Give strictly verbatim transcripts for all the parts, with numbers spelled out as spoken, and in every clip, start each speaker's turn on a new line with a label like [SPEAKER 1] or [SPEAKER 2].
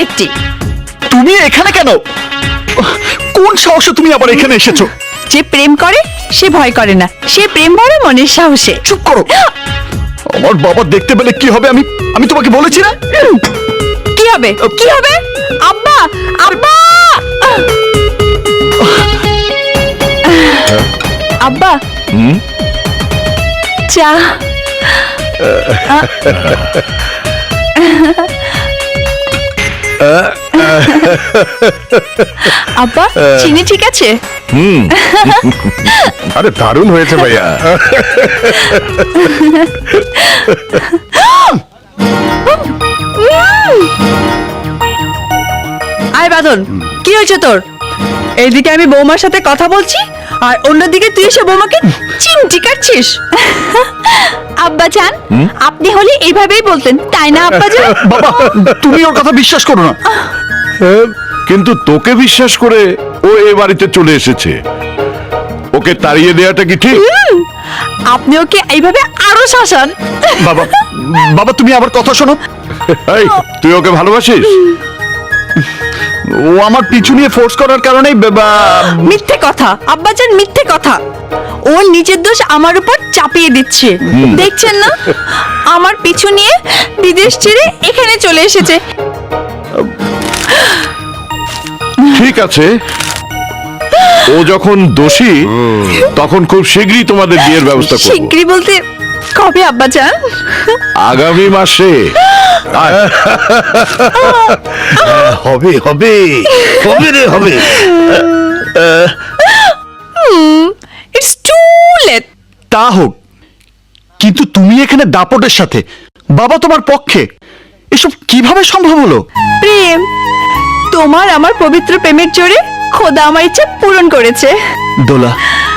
[SPEAKER 1] একটি।
[SPEAKER 2] তুমি এখানে কেন? কোন সাহসে তুমি আবার এখানে এসেছো?
[SPEAKER 1] যে প্রেম করে সে ভয় করে না, সে প্রেম ভরে মনের সাহসে।
[SPEAKER 2] চুপ করো। আমার বাবা দেখতে পেলে কি হবে? আমি আমি তোমাকে বলেছি না?
[SPEAKER 1] কি হবে কি হবে? আব্বা আব্বা আব্বা চা। আব্বা চিনি ঠিক আছে?
[SPEAKER 3] হুম আরে দারুণ হয়েছে ভাইয়া।
[SPEAKER 1] আয় বাদল, কি হয়েছে তোর? এইদিকে আমি বৌমার সাথে কথা বলছি আর অন্যদিকে তুই এসে বৌমাকে চিমটি কাটছিস। আব্বা জান, আপনি হলে এইভাবেই বলতেন তাই না আব্বা জান?
[SPEAKER 2] বাবা তুমি ওর কথা বিশ্বাস করো না।
[SPEAKER 3] কিন্তু তোকে বিশ্বাস করে ও এ বাড়িতে চলে এসেছে, ওকে তাড়িয়ে দেওয়াটা কি ঠিক?
[SPEAKER 1] আপনি ওকে এইভাবে আরো শাসান।
[SPEAKER 2] বাবা বাবা তুমি আবার কথা শোনো।
[SPEAKER 3] এই, তুই ওকে ভালোবাসিস?
[SPEAKER 2] ও আমার পিছু নিয়ে ফোর্স করার কারণেই
[SPEAKER 1] মিথ্যে কথা আব্বা জান, মিথ্যে কথা। ও নিজের দোষ আমার উপর চাপিয়ে দিচ্ছে, দেখছেন না? আমার পিছু নিয়ে বিদেশ ছেড়ে এখানে চলে এসেছে।
[SPEAKER 3] ঠিক আছে, ও যখন দোষী তখন খুব শীঘ্রই তোমাদের বিয়ের ব্যবস্থা করব।
[SPEAKER 1] শিগগিরই বলতে কবে আব্বা জান?
[SPEAKER 3] আগামী মাসে। আয়।
[SPEAKER 4] হবে হবে হবে রে হবে।
[SPEAKER 1] It's too late.
[SPEAKER 2] তা হোক, কিন্তু তুমি এখানে দাপটের সাথে, বাবা তোমার পক্ষে, এসব কিভাবে সম্ভব হলো?
[SPEAKER 1] প্রেম, তোমার আমার পবিত্র প্রেমের জোরে খোদা আমার ইচ্ছা পূরণ করেছে।
[SPEAKER 2] দোলা,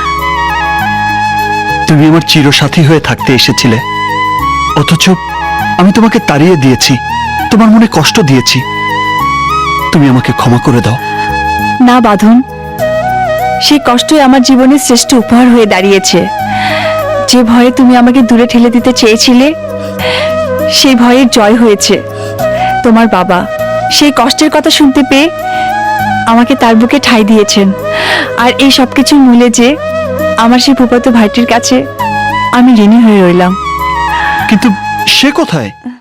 [SPEAKER 2] তুমি আমার চিরসাথী হয়ে থাকতে এসেছিলে, অথচ আমি তোমাকে তাড়িয়ে দিয়েছি, তোমার মনে কষ্ট দিয়েছি। তুমি আমাকে ক্ষমা করে দাও।
[SPEAKER 1] না বাঁধন, সেই কষ্টই আমার জীবনের শ্রেষ্ঠ উপহার হয়ে দাঁড়িয়েছে। যে ভয়ে তুমি আমাকে দূরে ঠেলে দিতে চেয়েছিলে, সেই ভয়ের জয় হয়েছে। তোমার বাবা সেই কষ্টের কথা শুনতে পেয়ে আমাকে তার বুকে ঠাঁই দিয়েছেন। আর এই সবকিছুর মূলে যে আমার সেই ফুফাতো ভাইটির কাছে আমি ঋণী হয়ে রইলাম।
[SPEAKER 2] কিন্তু সে কোথায়?